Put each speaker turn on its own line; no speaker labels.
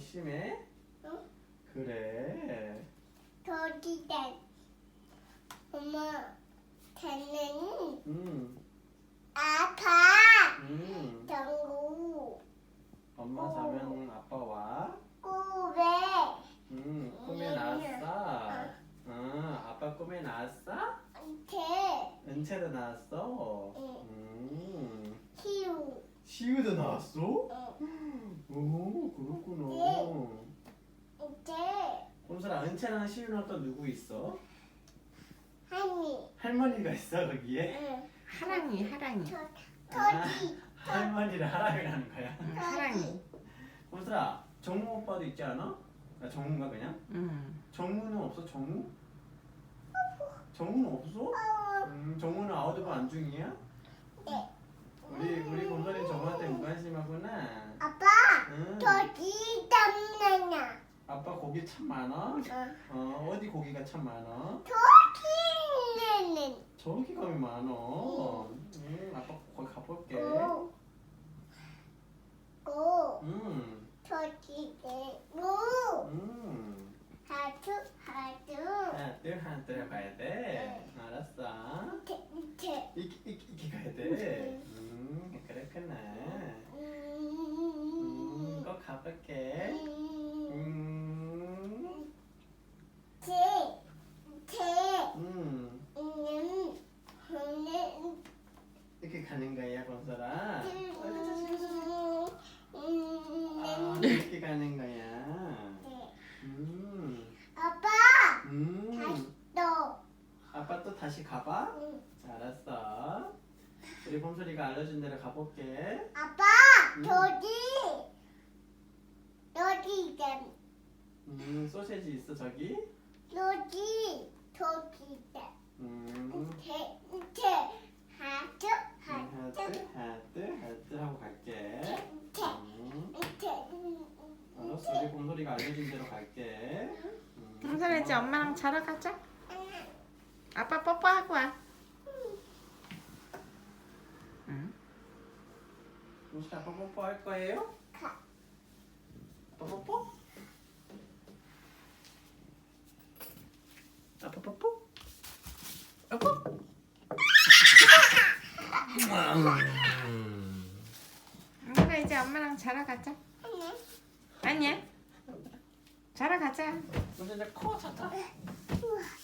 심해?
응?
그래.
저기다. 엄마, 걔는 아파. 정우.
엄마 자면 아빠 와?
꾸베.
꿈에 나왔어? 아빠 꿈에 나왔어?
태.
은채도 나왔어?
키우.
시우도 나왔어? 오, 그렇구나.
이제
꼼수라, 은채랑 시우랑 또 누구 있어?
하니.
할머니가 있어 거기에?
응.
하랑이.
토지.
할머니를 하랑이라는 거야?
하랑이.
꼼수라, 정우 오빠도 있지 않아? 아, 정우인가 그냥? 정우는 없어? 정우? 정우는 없어? 정우는 아웃오브 안중이야?
네.
우리 곰돌이 정우한테 무관심하구나.
아빠.
응.
토지 담나냐.
아빠 고기 참 많아? 어디 고기가 참 많아?
토지는.
저기 가면 많아. 아빠 거기 가볼게.
고. 토지는. 고. 하트.
하나 가야 돼. 알았어.
태.
이렇게 가야 돼. 그렇구나. 꼭 가볼게. 이렇게 가는 거야, 건설아. 이렇게 가는 거야.
아빠. 또.
아빠 또 다시 가봐? 알았어. 우리 봄소리가 알려준 대로 가볼게.
아빠. 여기
소세지 있어 저기?
여기
하트 하고 갈게. 알았어. 우리 봄소리가 알려준 대로 갈게.
곰돌이 이제 엄마랑 자러 가자. 아빠 뽀뽀하고 와.
봄소리 아빠 뽀뽀할 거예요? 아빠 뽀뽀? 아빠 뽀뽀? 뽀뽀?
엄마가 이제 엄마랑 자러 가자. 아니야. 자러 가자.
봄소리 이제 코 잤다.
우와.